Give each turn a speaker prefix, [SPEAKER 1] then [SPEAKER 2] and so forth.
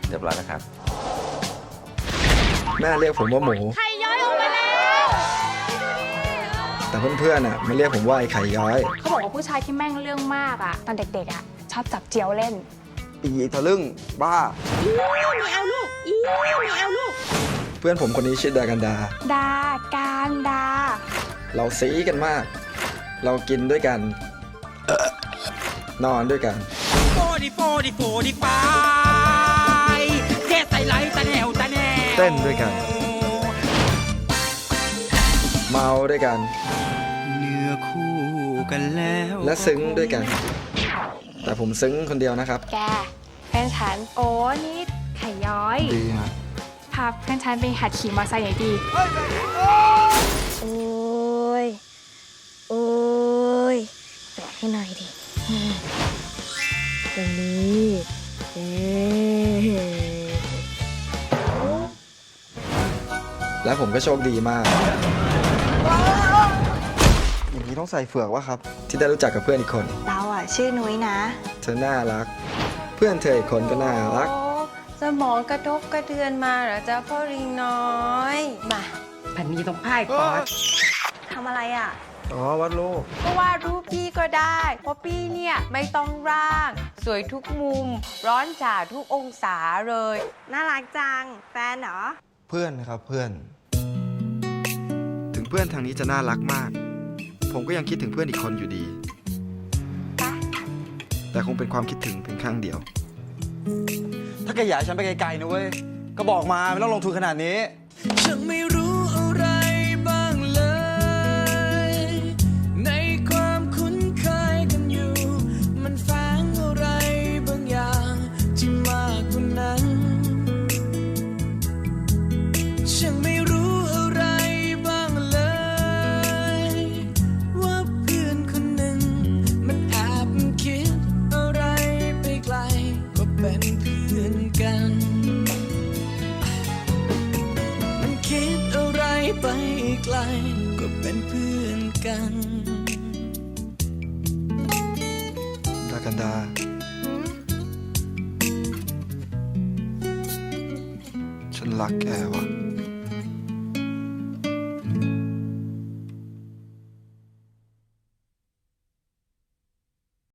[SPEAKER 1] เรียบร้อยแล้วครับ
[SPEAKER 2] แม่เรียกผมว่าหมู
[SPEAKER 3] ไข่ย้อยออกมาแล้ว
[SPEAKER 2] แต่เพื่อนๆมาเรียกผมว่าไอ้ไข่ย้อย
[SPEAKER 3] เขาบอกว่าผู้ชายที่แม่งเรื่องมากตอนเด็กๆชอบจับเจียวเล่น
[SPEAKER 4] อีทะลึ่งบ้า
[SPEAKER 3] ไม่เอาลูกไม่เอาลูก
[SPEAKER 2] เพื่อนผมคนนี้ชื่อดากันดา
[SPEAKER 3] ดาการดา
[SPEAKER 2] เราซีกันมาก เรากินด้วยกัน นอนด้วยกัน
[SPEAKER 5] โฟดีไปเทใส่ไหลตะแนว
[SPEAKER 2] เต้นด้วยกัน เมาด้วยกัน
[SPEAKER 5] เนื้อคู่กันแล้ว
[SPEAKER 2] และซึ้งด้วยกัน แต่ผมซึ้งคนเดียวนะครับ
[SPEAKER 3] แกเพื่อนฉันโอ้นี่ไข่ย้อย
[SPEAKER 2] ดีฮะ
[SPEAKER 3] พาเพื่อนฉันไปหัดขี่มอเตอร์ไซค์หน่อยดี
[SPEAKER 6] โอ้ย โอ้ยแตะให้หน่อยดิตรงนี้เอ๊ะ
[SPEAKER 2] และผมก็โชคดีมาก อย่างนี้ต้องใส่เฟือกวะครับ ที่ได้รู้จักกับเพื่อนอีกคน
[SPEAKER 6] เราชื่อนุ้ยนะ
[SPEAKER 2] เธอน่ารัก เพื่อนเธออีกคนก็น่ารัก
[SPEAKER 7] โอ้สมองกระทบกระเทือนมาเหรอจ๊ะพ่อลิงน้อย มาพันนี้ต้องพ่ายปอด
[SPEAKER 6] ทำอะไรอ่ะ
[SPEAKER 2] อ๋อวัดโลก
[SPEAKER 7] ก็วาดรูปพี่ก็ได้ เพราะพี่เนี่ยไม่ต้องร่าง สวยทุกมุม ร้อนจ่าทุกองศาเลย
[SPEAKER 6] น่ารักจัง แฟนเหรอ
[SPEAKER 2] เพื่อนครับเพื่อน ถึงเพื่อนทางนี้จะน่ารักมาก ผมก็ยังคิดถึงเพื่อนอีกคนอยู่ดี แต่คงเป็นความคิดถึงเพียงครั้งเดียว
[SPEAKER 4] ถ้าแกอยากให้ฉันไปไกลๆนะเว้ย ก็บอกมาไม่ต้องลงทุนขนาดนี้
[SPEAKER 5] ฉันไม่รู้อะไรบ้างเลย ในความคุ้นเคยกันอยู่ มันแฝงอะไรบางอย่างที่มากกว่านั้น ฉันไม่รู้อะไรบ้างเลย ว่าเพื่อนคนหนึ่ง มันแอบคิดอะไรไปไกลก็เป็นเพื่อนกัน มันคิดอะไรไปไกลก็เป็นเพื่อนกัน
[SPEAKER 2] ดากันดา ฉันรักแกว่ะ